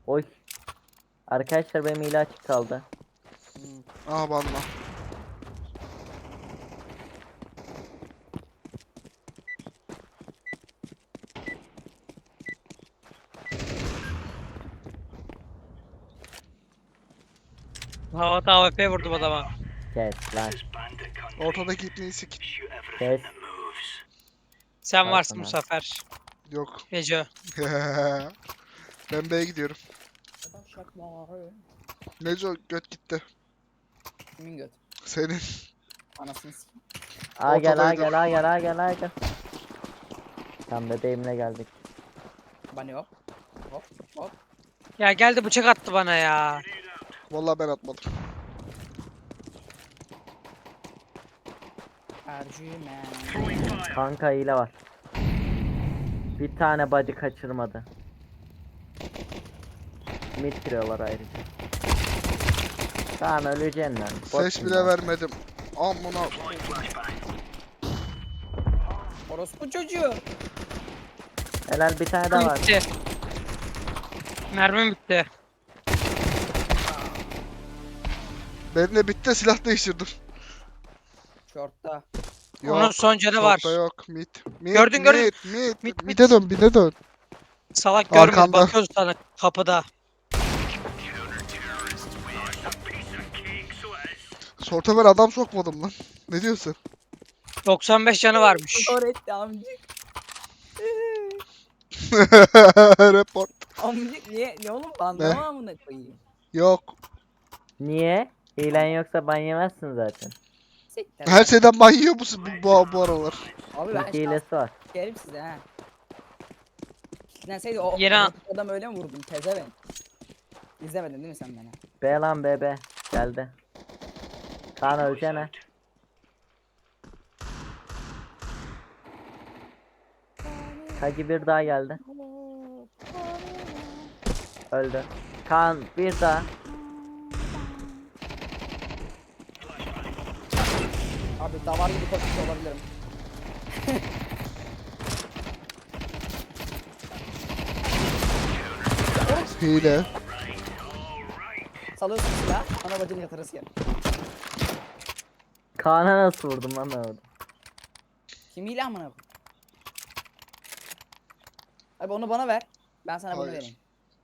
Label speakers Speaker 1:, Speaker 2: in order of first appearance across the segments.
Speaker 1: Oy. Arkadaşlar benim hile açık kaldı.
Speaker 2: Aha banla.
Speaker 3: Havada AWP vurdum adama.
Speaker 1: Kes lan.
Speaker 2: Ortadaki ipneyi sik.
Speaker 1: Kes.
Speaker 3: Sen varsın bu
Speaker 1: Kalsana.
Speaker 3: sefer.
Speaker 2: Yok.
Speaker 3: Neco.
Speaker 2: Ben B'ye gidiyorum. Neco göt gitti.
Speaker 4: Kimin göt?
Speaker 2: Senin.
Speaker 4: Anasını s***.
Speaker 1: A gel A
Speaker 2: Ortadaydı.
Speaker 1: gel A gel A gel A gel. Tam bebeğimle geldik.
Speaker 4: Bani hop. Hop hop.
Speaker 3: Ya geldi bıçak attı bana ya.
Speaker 2: Vallahi ben atmadım.
Speaker 4: Ercümen.
Speaker 1: Kanka hile var. Bir tane bacı kaçırmadı. Mid giriyorlar ayrıca. Tamam öleceksin lan.
Speaker 2: Ses bile vermedim. Amına.
Speaker 4: Orospu çocuğu.
Speaker 1: Helal bir tane daha var.
Speaker 3: Bitti. Mermim bitti.
Speaker 2: Benim de bitti, silah değiştirdim.
Speaker 4: Şortta.
Speaker 3: Onun son canı var.
Speaker 2: Short'ta yok. Mid.
Speaker 3: Gördün, gördün.
Speaker 2: Mid.
Speaker 3: Mid.
Speaker 2: Mid'e dön, mid'e dön.
Speaker 3: Salak görmedi.
Speaker 2: Arkanda.
Speaker 3: Bakıyoruz sana kapıda.
Speaker 2: Short'a ben adam sokmadım lan. Ne diyorsun?
Speaker 3: 95 canı varmış.
Speaker 4: Öğretti amcık.
Speaker 2: Report.
Speaker 4: Amcık niye? Ne oğlum bandama amına koyayım.
Speaker 2: Yok.
Speaker 1: Niye? Hilen yoksa ban yemezsin zaten.
Speaker 4: Siktir.
Speaker 2: Her şeyden manyiyor musun bu aralar?
Speaker 4: Abi ben
Speaker 1: Çünkü hilesi var.
Speaker 4: sikerim size ha. Kitlenseydi o
Speaker 3: Yeni an-
Speaker 4: adam öyle mi vurdum tezeven? İzlemedin değil mi sen beni?
Speaker 1: B lan B B. Geldi. Kaan öleceğine. Kagi bir daha geldi. Öldü. Kaan bir daha.
Speaker 4: Abi davar gibi koşmuş olabilirim.
Speaker 2: Hile.
Speaker 4: Salıyorsun silah, ana bacını yatırırsın yani.
Speaker 1: Kaan'a nasıl vurdum lan ben orada?
Speaker 4: Kim hile amına koyayım? Abi onu bana ver. Ben sana bunu
Speaker 2: Hayır.
Speaker 4: vereyim.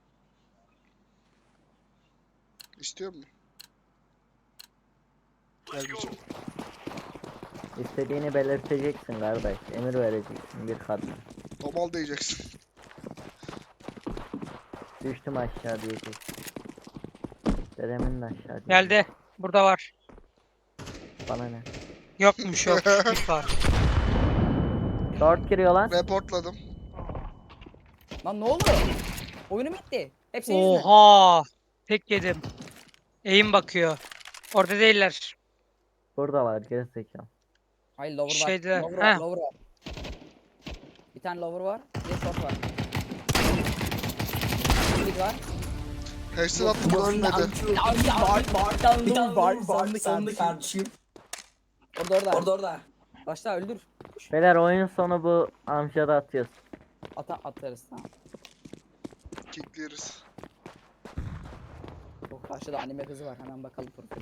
Speaker 2: İstiyor musun? Vermeyeceğim.
Speaker 1: İstediğini belirteceksin kardeş. Emir vereceksin bir kadına.
Speaker 2: Domal diyeceksin.
Speaker 1: Düştüm aşağı diyeceksin. Dedemin de aşağı diyeceksin.
Speaker 3: Geldi. Burada var.
Speaker 1: Bana ne?
Speaker 3: Yokmuş yok. Mid var.
Speaker 1: Short giriyor lan.
Speaker 2: Reportladım.
Speaker 4: Lan ne oldu? Oyunum bitti. Hep senin yüzünden.
Speaker 3: Oha. Tek yedim. Eğim bakıyor. Orada değiller.
Speaker 1: Burada var gerizekalı.
Speaker 4: Hayır lower var.
Speaker 3: Şeyde,
Speaker 4: Lower var,
Speaker 3: heh.
Speaker 4: lower var. Bir tane lower var. Bir de short var. Bir var.
Speaker 2: Headshot attım ölmedi.
Speaker 4: Sandı kardeşim. Orada. Başla öldür.
Speaker 1: Beyler oyun sonu bu amcada atıyoruz.
Speaker 4: Atarız tamam.
Speaker 2: Kickleriz.
Speaker 4: O karşıda anime kızı var hemen bakalım profili.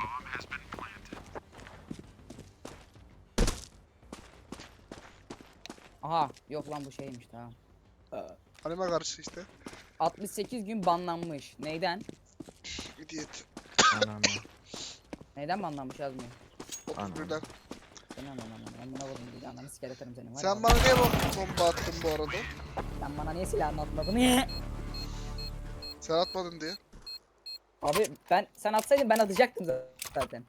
Speaker 4: Aha yok lan bu şeymiş tamam.
Speaker 2: Anime karşı işte.
Speaker 4: 68 gün banlanmış. Neyden?
Speaker 2: İdiot.
Speaker 1: Anam.
Speaker 4: Neyden banlanmış yazmıyor.
Speaker 2: 31'den.
Speaker 4: Seni anam ben buna vurdum bir de ananı sikeleterim seni. Var ya.
Speaker 2: Sen bana niye bomba attın bu arada?
Speaker 4: Sen bana niye silahını atmadın? Niye?
Speaker 2: Sen atmadın diye.
Speaker 4: Abi sen atsaydın ben atacaktım zaten.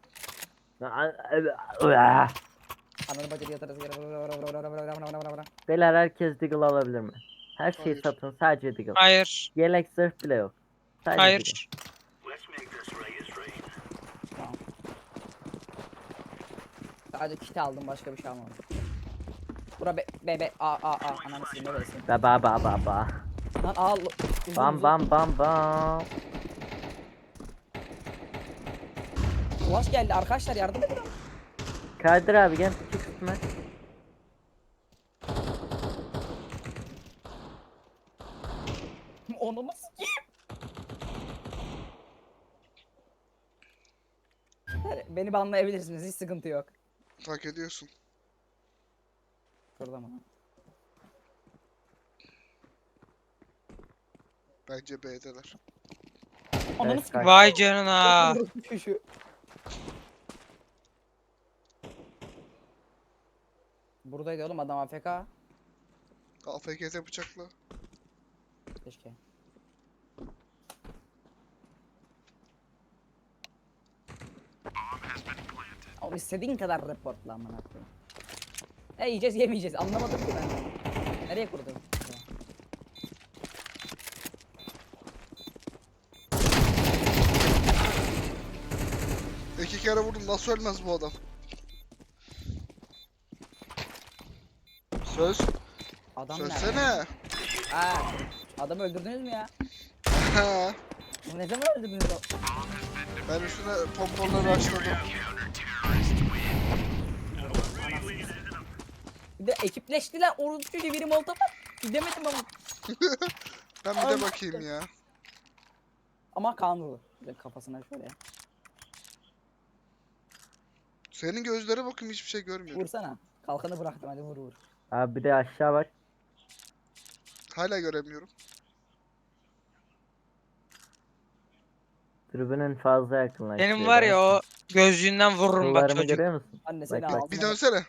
Speaker 4: Ananı bacını yatarız.
Speaker 1: Beyler herkes deagle alabilir mi? Her şeyi
Speaker 2: Hayır.
Speaker 1: satın sadece deagle.
Speaker 3: Hayır.
Speaker 1: Yelek zırh bile yok. Sadece deagle.
Speaker 3: Hayır.
Speaker 4: Tamam. Sadece kiti aldım başka bir şey almadım. Bura be a ananı silme be sen.
Speaker 1: Ba.
Speaker 4: Lan al.
Speaker 1: Bam bam bam bam.
Speaker 4: Ulaş geldi arkadaşlar yardım edin.
Speaker 1: Kadir abi gel çık üstüme.
Speaker 4: Onu mu sikeyim? beni banlayabilirsiniz. Hiç sıkıntı yok.
Speaker 2: Hak ediyorsun.
Speaker 4: Şurada mı?
Speaker 2: Bence B'deler.
Speaker 4: Ananı
Speaker 1: Evet,
Speaker 4: sikeyim.
Speaker 3: Vay canına.
Speaker 4: Şu. Buradaydı oğlum adam AFK.
Speaker 2: AFK'de bıçakla.
Speaker 4: Keşke. Oğlum istediğin kadar reportla amına koyayım. Yiyeceğiz yemeyeceğiz anlamadım ki ben. Nereye kurdun?
Speaker 2: İki kere vurdum. Nasıl ölmez bu adam? Söz.
Speaker 4: Adam nerede?
Speaker 2: Sözsene.
Speaker 4: Ha, adamı öldürdünüz mü ya?
Speaker 2: Ha.
Speaker 4: Ne zaman öldürdünüz o?
Speaker 2: Ben üstüne pomponları açladım.
Speaker 4: Bir de ekipleştiler. Orada biri molotof at. Gidemedim ama.
Speaker 2: Ben bir de bakayım ya.
Speaker 4: Ama Kaan vurdu. Bir de kafasına şöyle.
Speaker 2: Senin gözlere bakayım hiçbir şey görmüyorum.
Speaker 4: Vursana. Kalkanı bıraktım hadi vur.
Speaker 1: Abi bir de aşağı bak.
Speaker 2: Hala göremiyorum.
Speaker 1: Tribünün fazla yakınlaştı.
Speaker 3: Benim var ya o gözlüğünden vururum bak
Speaker 1: Kıllarımı
Speaker 3: çocuk.
Speaker 1: görüyor musun?
Speaker 4: Anne seni
Speaker 1: Bak,
Speaker 4: ağzına.
Speaker 2: Bir dönsene.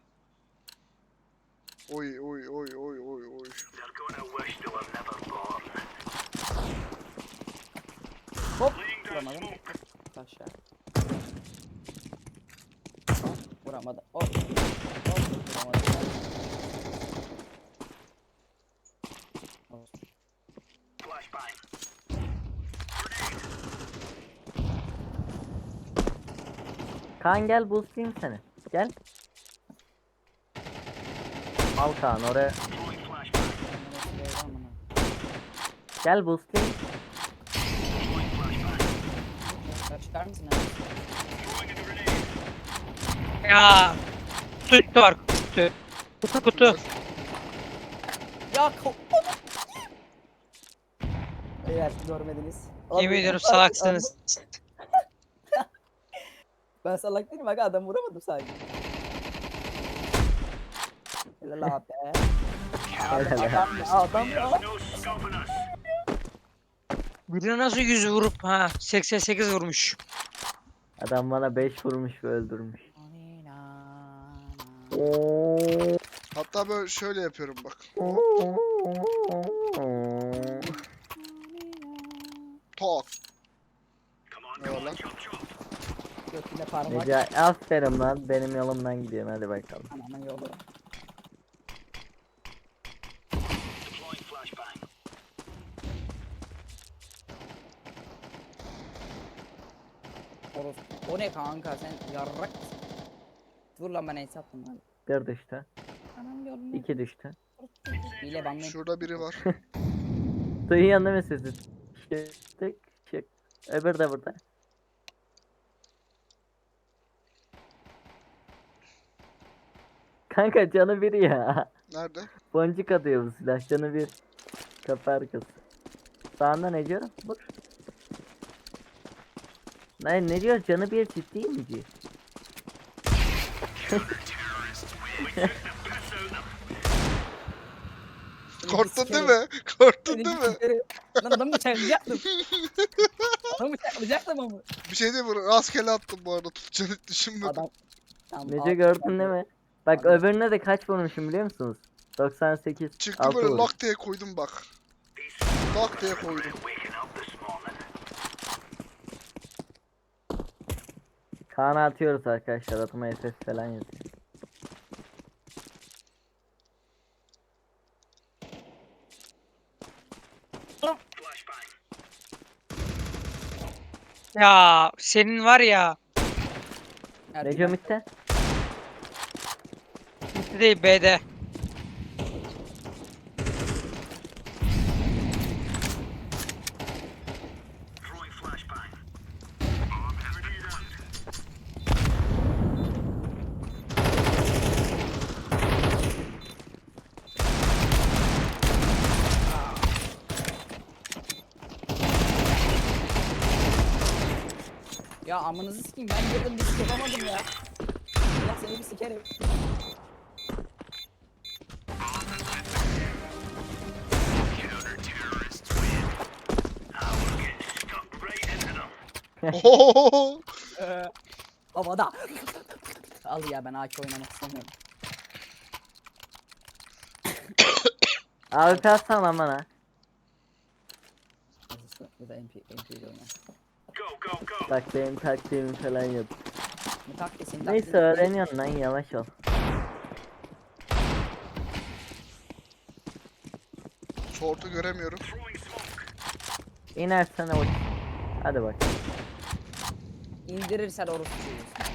Speaker 2: Oy oy oy oy oy oy.
Speaker 4: Hop. Vuramadım. Aşağı. Vuramadım. Hop. Hop. Vuramadım. Hop.
Speaker 1: Kaan gel boostlayayım seni. Gel. Al Kaan oraya. Gel boostlayayım.
Speaker 4: Çıkar mısın abi?
Speaker 3: Ya. Kutu var kutu. Kutu.
Speaker 4: Ya Eğer görmediniz.
Speaker 3: Yemin ediyorum salaksınız.
Speaker 4: Ben salak değilim aga adam vuramadım sadece. Helal abi. Adam ya.
Speaker 3: Birine nasıl 100 vurup ha 88 vurmuş.
Speaker 1: Adam bana 5 vurmuş ve öldürmüş.
Speaker 2: Hatta böyle şöyle yapıyorum bak. Tok. Ne var lan?
Speaker 4: Götüne parmak.
Speaker 1: Nece aferin lan benim yolumdan gidiyorsun hadi bakalım.
Speaker 4: Anamın yolu. O ne kanka sen yarrak mısın? Dur lan ben ace attım lan.
Speaker 1: Bir düştü.
Speaker 4: Anam yolunu.
Speaker 1: 2 düştü.
Speaker 4: Hile banlayın.
Speaker 2: Şurada biri var.
Speaker 1: Duyuyorsun değil mi sesi? Şık şık. Öbür de burada. Kanka canı bir ya.
Speaker 2: Nerede?
Speaker 1: Boncuk atıyor bu silah canı bir. Kapı arkası. Sağında ne diyor? Vur. Ne diyor canı bir ciddi mi diyor?
Speaker 2: Korktun değil mi? Korktun
Speaker 4: Seni
Speaker 2: değil mi?
Speaker 4: sikerim. Lan adamı bıçaklayacaktım. Adamı bıçaklayacaktım ama.
Speaker 2: Bir şey değil mi? Rastgele attım bu arada. Tutacağını hiç düşünmedim.
Speaker 4: Adam. Tamam,
Speaker 1: Nece
Speaker 4: al.
Speaker 1: gördün değil mi? Bak
Speaker 4: Anladım.
Speaker 1: öbürüne de kaç vurmuşum biliyor musunuz? 98.
Speaker 2: Çıktı
Speaker 1: 6
Speaker 2: böyle
Speaker 1: vuruş.
Speaker 2: lak diye koydum bak. Lak diye koydum.
Speaker 1: Kaan'a atıyoruz arkadaşlar. Atıma SS falan yazıyor.
Speaker 3: Ya senin var ya.
Speaker 4: Ertuğrul.
Speaker 1: Neco mitte?
Speaker 3: Bitti değil B'de.
Speaker 4: Ya amınızı sikeyim, ben girdim bir sik yapamadım ya. Allah seni bir sikerim.
Speaker 2: Ohohoho.
Speaker 4: Havada. Al ya, ben AK oynamak istemiyorum.
Speaker 1: Abi kalsana lan bana.
Speaker 4: Ya da MP ile oynar.
Speaker 1: Bak benim taktiğimi falan yap.
Speaker 4: Bu taktiğin
Speaker 1: Neyse öğreniyorsun lan, yavaş ol.
Speaker 2: Short'u göremiyorum.
Speaker 1: İnersen o. Hadi bak.
Speaker 4: İndirirsen orospu çocuğusun.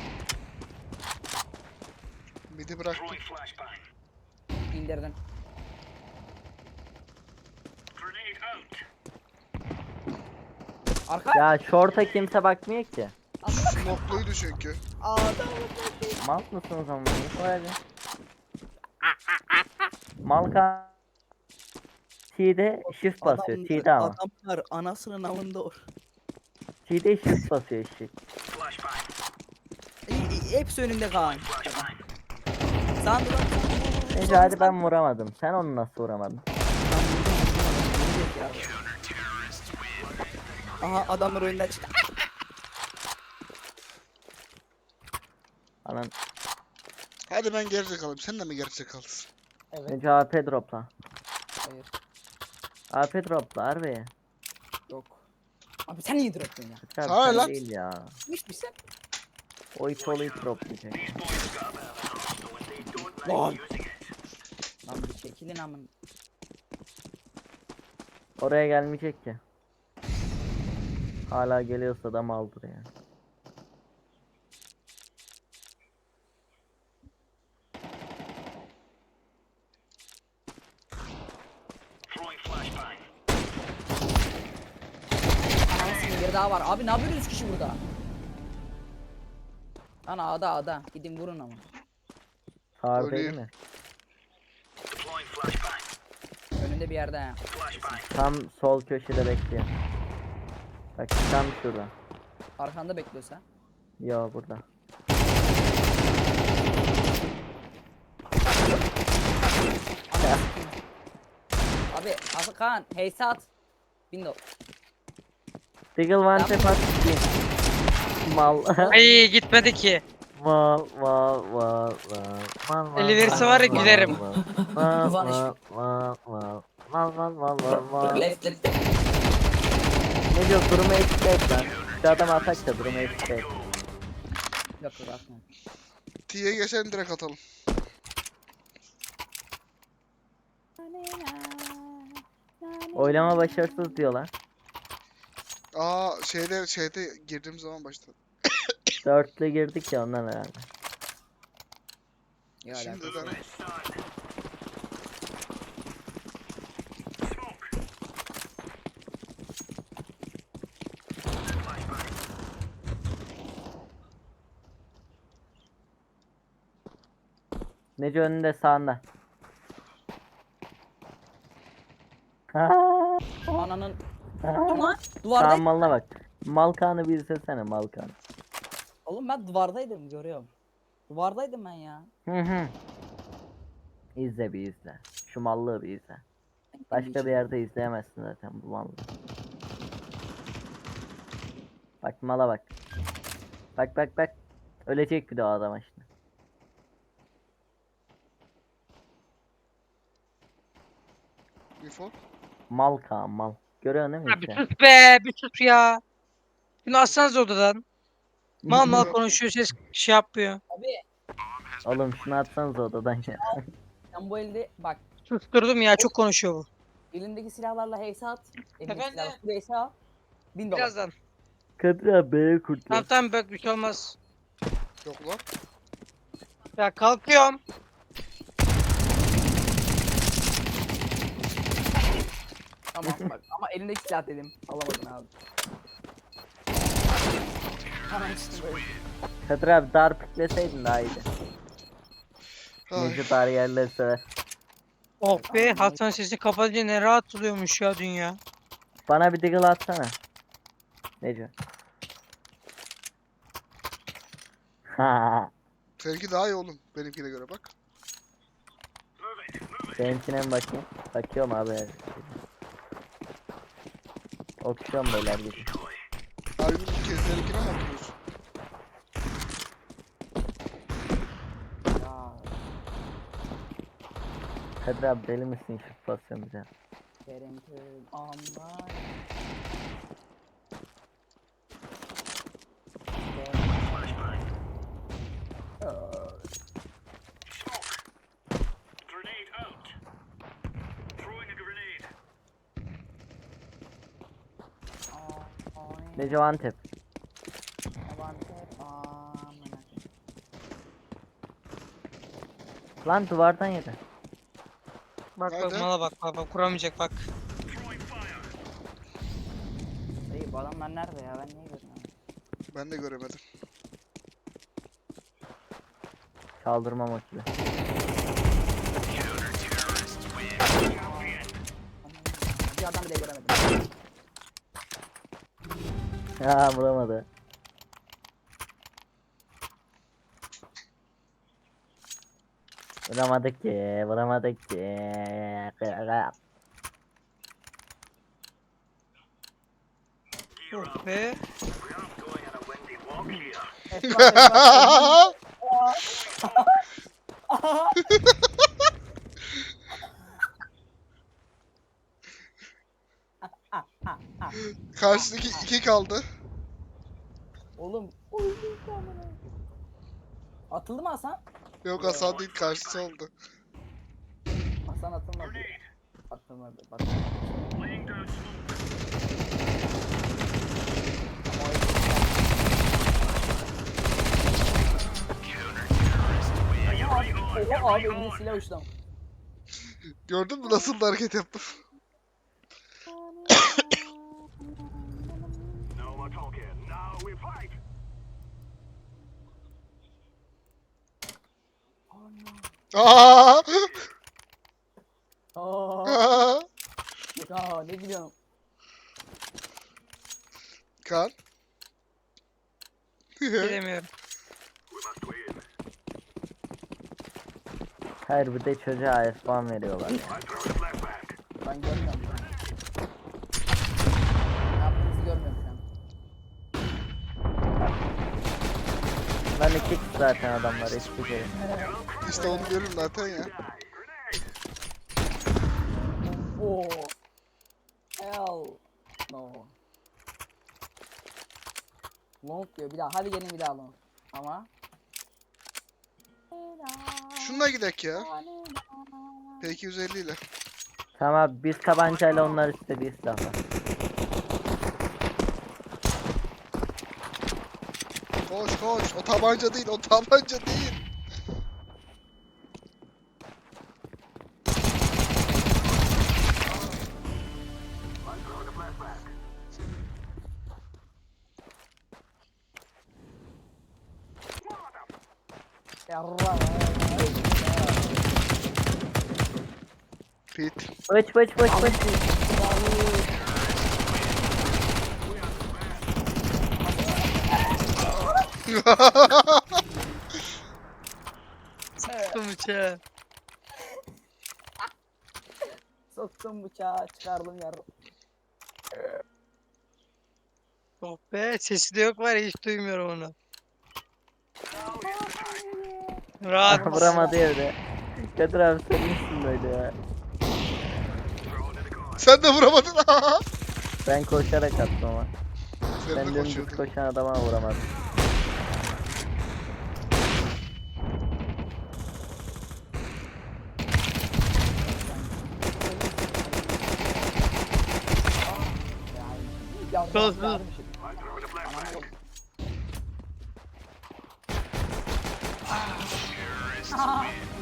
Speaker 2: Midi bıraktım.
Speaker 4: İndirdin. Arka.
Speaker 1: Ya short'a kimse bakmıyor ki.
Speaker 2: Smokluydu çünkü.
Speaker 4: Adam.
Speaker 1: Mal mısınız ama? Hadi. Malka T'de shift basıyor. T'de ama.
Speaker 4: Adamlar anasının avında or.
Speaker 1: T'de shift basıyor eşek.
Speaker 4: Hepsi önünde Kaan. Sandı bak.
Speaker 1: Neyse hadi ben vuramadım. Sen onu nasıl vuramadın?
Speaker 4: Aha adamlar oyundan çıktı.
Speaker 1: Anan.
Speaker 2: Hadi ben geride kalayım. Sen de mi geride kalsın?
Speaker 4: Evet.
Speaker 1: Önce AP dropla.
Speaker 4: Hayır.
Speaker 1: AP dropla harbi.
Speaker 4: Yok. Abi sen niye dropptun ya?
Speaker 1: Tabii
Speaker 2: Sana
Speaker 1: sen
Speaker 2: lan.
Speaker 1: değil ya.
Speaker 4: Hiç misin?
Speaker 1: O it olayı droplayacak.
Speaker 4: Lan. Lan bir çekilin amın.
Speaker 1: Oraya gelmeyecek ki. Hala geliyorsa da maldır yani.
Speaker 4: Anasının biri daha var. Abi ne yapıyorsunuz 3 kişi burada? Ana ada. Gidin vurun ama.
Speaker 1: Sağır
Speaker 2: Öyle.
Speaker 1: değil mi?
Speaker 4: Önünde bir yerde ha.
Speaker 1: Tam sol köşede bekliyor. Bak tam şurada.
Speaker 4: Arkanda bekliyorsa.
Speaker 1: Yo burada.
Speaker 4: Abi Kaan heysat. Bindo.
Speaker 1: Diggle one tap at. Mal.
Speaker 3: Ay gitmedi ki.
Speaker 1: Mal.
Speaker 3: Eli verirse var ya gülerim.
Speaker 1: Mal.
Speaker 4: Left.
Speaker 1: Ne diyor, durumu eksik et lan. Şu adam atak da durumu eksik et.
Speaker 4: Yok atma.
Speaker 2: T'ye geçen direkt atalım.
Speaker 1: Oylama başarısız diyorlar.
Speaker 2: Aa şeyde girdiğim zaman başladı.
Speaker 1: Dörtlü girdik ya ondan herhalde.
Speaker 4: Ya
Speaker 2: Şimdi
Speaker 4: alakası
Speaker 2: de
Speaker 4: yok.
Speaker 1: Nece önünde sağında.
Speaker 4: Ananın
Speaker 1: Tam
Speaker 4: duvardaydım.
Speaker 1: malına bak. Malkanı bir izlesene Malkanı.
Speaker 4: Oğlum ben duvardaydım görüyorum. Duvardaydım ben ya.
Speaker 1: Hı. İzle bir izle. Şu mallığı bir izle. Başka bir yerde izleyemezsin zaten bu mallığı. Bak mala bak. Bak. Ölecek bir de o adam işte.
Speaker 2: info.
Speaker 1: Mal Kaan mal. Görüyorsun değil mi
Speaker 3: Abi
Speaker 1: işte?
Speaker 3: sus be bir sus ya. Şunu atsanız odadan. Mal konuşuyor ses şey yapıyor.
Speaker 4: Abi
Speaker 1: Oğlum şunu atsanız odadan ya.
Speaker 4: sen bu elde bak
Speaker 3: Susturdum ya çok konuşuyor bu.
Speaker 4: elindeki silahlarla heysat. Elindeki
Speaker 3: Efendim?
Speaker 4: silahlarla heysat. 1000 dolar.
Speaker 3: Birazdan.
Speaker 1: Kadir abi B'ye kurtlar.
Speaker 3: Tamam bak bir şey olmaz.
Speaker 2: Yok lan.
Speaker 3: Ya kalkıyorum.
Speaker 4: Tamam bak ama elindeki silah dedim. Alamadın abi. Hemen işte böyle.
Speaker 1: Kadir abi dar pikleseydin daha iyiydi.
Speaker 2: Ay.
Speaker 1: Nece dar yerleri sever.
Speaker 3: Oh be Hasan sesi kapatınca ne rahat oluyormuş ya dünya.
Speaker 1: Bana bir diggle atsana. Nece?
Speaker 2: Seninki daha iyi oğlum. Benimkine göre bak.
Speaker 1: Benimkine mi bakayım? Bakıyorum abi. Okşuyorum beyler gibi.
Speaker 2: Harbi seninkine mi bakıyorsun?
Speaker 4: Ya
Speaker 1: Kadir abi deli misin şu pozisyonu bize?
Speaker 4: Kerem aman.
Speaker 1: Nece Antep. Lan duvardan yedi.
Speaker 3: Bak bak
Speaker 2: Nerede?
Speaker 3: mala bak kuramayacak bak.
Speaker 4: Dayı bu adamlar nerede ya, ben niye görmüyorum?
Speaker 2: Ben de göremedim.
Speaker 1: Kaldırma maçı.
Speaker 4: Bir adam bile göremedim.
Speaker 1: Ha vuramadı. Vuramadık ki, vuramadık ki.
Speaker 3: Oh be.
Speaker 4: Esma.
Speaker 2: Karşıdaki 2 kaldı.
Speaker 4: Oğlum. Atıldı mı Hasan?
Speaker 2: Yok Hasan değil, karşısı oldu.
Speaker 4: Hasan atılmadı. Atılmadı. Bak. Oha abi eline silah uçtu.
Speaker 2: Gördün mü nasıl da hareket yaptım? Aa!
Speaker 4: Aa, ya ne gülüyorsun?
Speaker 2: Kan.
Speaker 3: Bilemiyorum.
Speaker 1: Hayır bir de çocuğa espan veriyorlar ya.
Speaker 4: Ben görmüyorum şu an. Ne yaptığınızı görmüyorum şu an.
Speaker 1: Lan iki kişi zaten adamlar hiçbir şey.
Speaker 2: İşte onu görürüm zaten ya.
Speaker 4: Oo. Hell no. Long diyor bir daha. Hadi gelin bir daha long. Ama.
Speaker 2: Şununla gidek ya. P250 ile.
Speaker 1: Tamam abi biz tabancayla onlar istediği silahlar.
Speaker 2: Koş koş. O tabanca değil, o tabanca değil.
Speaker 4: Yarra.
Speaker 2: Pit.
Speaker 1: Bıç.
Speaker 3: Sıktım bıçağı.
Speaker 4: Soktum bıçağı çıkardım yarra.
Speaker 3: Oh be sesi de yok var ya hiç duymuyorum onu. Rahat.
Speaker 1: Vuramadı evde. Kadir abi sen misin böyle ya?
Speaker 2: Sen de vuramadın.
Speaker 1: Ben koşarak attım ama.
Speaker 2: Sen
Speaker 1: Ben
Speaker 2: de
Speaker 1: dümdüz
Speaker 2: koşuyordun.
Speaker 1: koşan adama vuramadım.
Speaker 4: Ya
Speaker 3: Sus, sus.
Speaker 4: yarmışım. Anam yok.